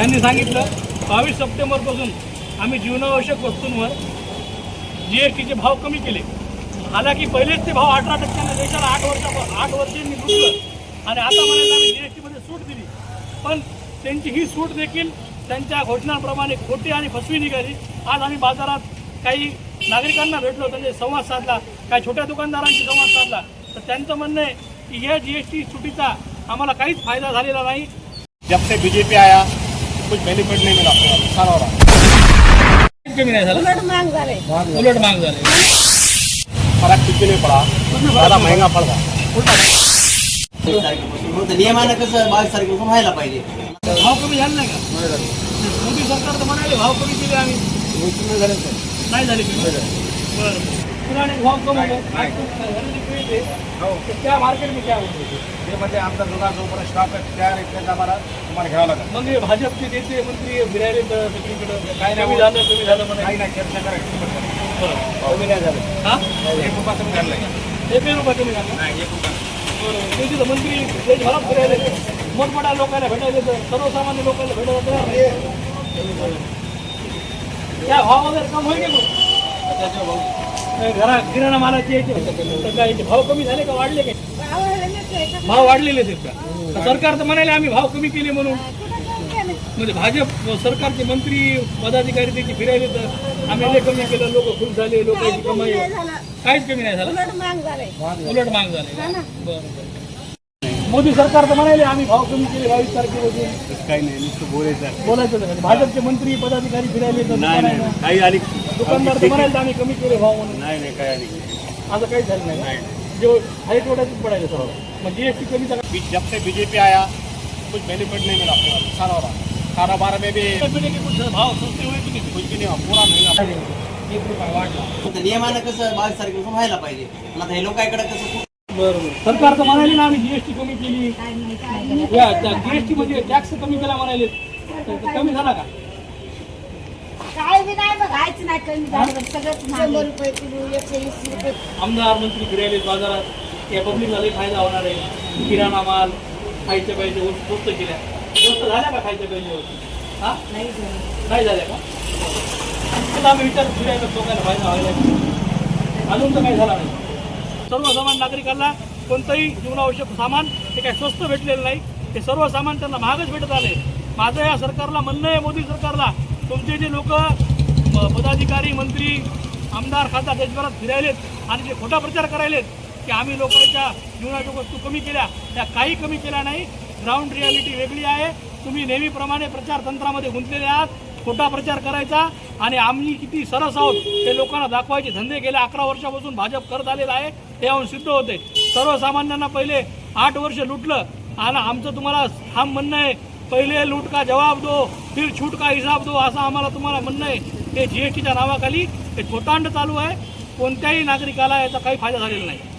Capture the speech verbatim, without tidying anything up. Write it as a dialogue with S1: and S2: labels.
S1: त्यांनी सांगितलं बावीस सप्टेंबरपासून आम्ही जीवनावश्यक वस्तूंवर जी एस टीचे भाव कमी केले. हालाकी पहिलेच ते भाव अठरा टक्क्याने देशाला आठ वर्षा आठ वर्षांनी लुटलं आणि आता म्हणायला आम्ही जी एस टीमध्ये सूट दिली. पण त्यांची ही सूट देखील त्यांच्या घोषणांप्रमाणे खोटी आणि फसवी निघाली. आज आम्ही बाजारात काही नागरिकांना भेटलो, त्यांचे संवाद साधला, काही छोट्या दुकानदारांशी संवाद साधला, तर त्यांचं म्हणणं आहे की या जी एस टी सुटीचा आम्हाला काहीच फायदा झालेला नाही.
S2: जब से बीजेपी आया कुछ बेनिफिट नहीं मिला, नुकसान हो रहा.
S1: कमी नाही झालं,
S3: उलट महाग झाले.
S1: उलट महाग झाले.
S2: फरक किती नाही पडा, ज़्यादा महंगा पड़ रहा.
S4: नियमानं कसं बावीस तारखेपासून व्हायला पाहिजे.
S1: भाव कमी झाले नाही का? मोदी सरकार तर म्हणाले भाव कमी केले आम्ही, नाही झाले कमी. बरं, पुराने भाव कम हो गए. क्या मार्केट में क्या होते
S2: ते म्हणजे आमचा दुकान जोपर्यंत स्टॉक आहे त्या रेटने आम्हाला तुम्हाला घ्यावं लागेल.
S1: मग हे भाजपचे नेते मंत्री फिरायले तर सगळीकडे काय कमी झालं कमी झालं म्हणे.
S2: काही नाही, चर्चा करायची.
S1: कमी नाही झालं. हा,
S2: एक रुपया कमी झाला नाही.
S1: एक रुपया कमी झाला.
S2: नाही, एक रुपया.
S1: बरोबर. ते तिथं मंत्री देशभरात फिरायले, मोठमोठ्या लोकांना भेटायले, तर सर्वसामान्य लोकांना भेटायला तयार नाही. क्या भाव वगैरे कम होईल का? घरा किराणा मालाचे यायचे तर काय याचे भाव कमी झाले का वाढले काय? भाव वाढलेले आहेत का? सरकार तर म्हणाले आम्ही भाव कमी केले म्हणून. म्हणजे भाजप सरकारचे मंत्री पदाधिकारी त्याची फिरायले तर आम्ही लय कमी केलं, लोक खुश झाले, लोकांची कमाई काहीच कमी नाही झालं,
S3: उलट महाग झाले.
S1: उलट महाग झाले. बरं. मोदी सरकार तर म्हणाले आम्ही भाव कमी केले बावीस तारखेपासून.
S2: काही नाही, नुसतं बोलायचं
S1: बोलायचं नाही. भाजपचे मंत्री पदाधिकारी फिरायले तर दुकानांना,
S2: काही आली
S1: दुकानदार तर म्हणाले आम्ही कमी केले भाव म्हणून.
S2: नाही नाही काही आली
S1: असं काहीच झालं नाही. जो आहे तेवढ्याच पडायचं सर्व. मग जीएसटी कमी झाला.
S2: जब से बीजेपी आया कुछ बेनिफिट नहीं मिला, नुकसान हो रहा. कारोबार में भी
S1: कुछ भाव सस्ते हुए की नाही?
S2: कुछ भी नहीं हुआ, पूरा महंगा.
S1: एक रुपया वाढला.
S4: नियमानं कसं बावीस तारखेपासून व्हायला पाहिजे. पण आता हे लोकांकडे कसं
S1: बरोबर. सरकार तर म्हणाले ना आम्ही जीएसटी कमी केली, या जीएसटी मध्ये टॅक्स कमी केला म्हणाले, तर कमी झाला का?
S3: काय बी नाही बघायचं नाही, कमी झालं सगळंच शंभर रुपये किलो, एकशे वीस रुपये.
S1: आमदार मंत्री फिरायले बाजारात, या पब्लिकला लई फायदा होणार आहे. किराणा माल, खायच्या पाहिजे वस्तू स्वस्त केल्या. स्वस्त झाल्या का खायच्या पाहिजे वस्तू? हा,
S3: नाही झालं.
S1: नाही झाल्या का? त्याला आम्ही विचार फिरायला लोकांना फायदा व्हायला, अजून तर काही झाला नाही. सर्वसामान्य नागरिकांना कोणतंही जीवनावश्यक सामान हे काही स्वस्त भेटलेलं नाही, ते सर्व सामान त्यांना महागच भेटत आले. माझं या सरकारला म्हणणं आहे, मोदी सरकारला, तुमचे जे लोक पदाधिकारी मंत्री आमदार खासदार देशभरात फिरायलेत आणि जे खोटा प्रचार करायलेत की आम्ही लोकांच्या जीवनाच्या वस्तू कमी केल्या, त्या काही कमी केल्या नाही. ग्राउंड रियालिटी वेगळी आहे. तुम्ही नेहमीप्रमाणे प्रचार तंत्रामध्ये गुंतलेले आहात. खोटा प्रचार करायचा आणि आम्ही किती सरस आहोत हे लोकांना दाखवायचे धंदे गेल्या अकरा वर्षापासून भाजप करत आलेला आहे, हे याहून सिद्ध होते. सर्वसामान्यांना पहिले आठ वर्ष लुटलं आणि आमचं तुम्हाला ठाम म्हणणं आहे, पहिले लूट का जवाब दो, फिर छूट का हिसाब दो, असं आम्हाला तुम्हाला म्हणणं आहे. हे जीएसटीच्या नावाखाली हे खोटांड चालू आहे. कोणत्याही नागरिकाला याचा काही फायदा झालेला नाही.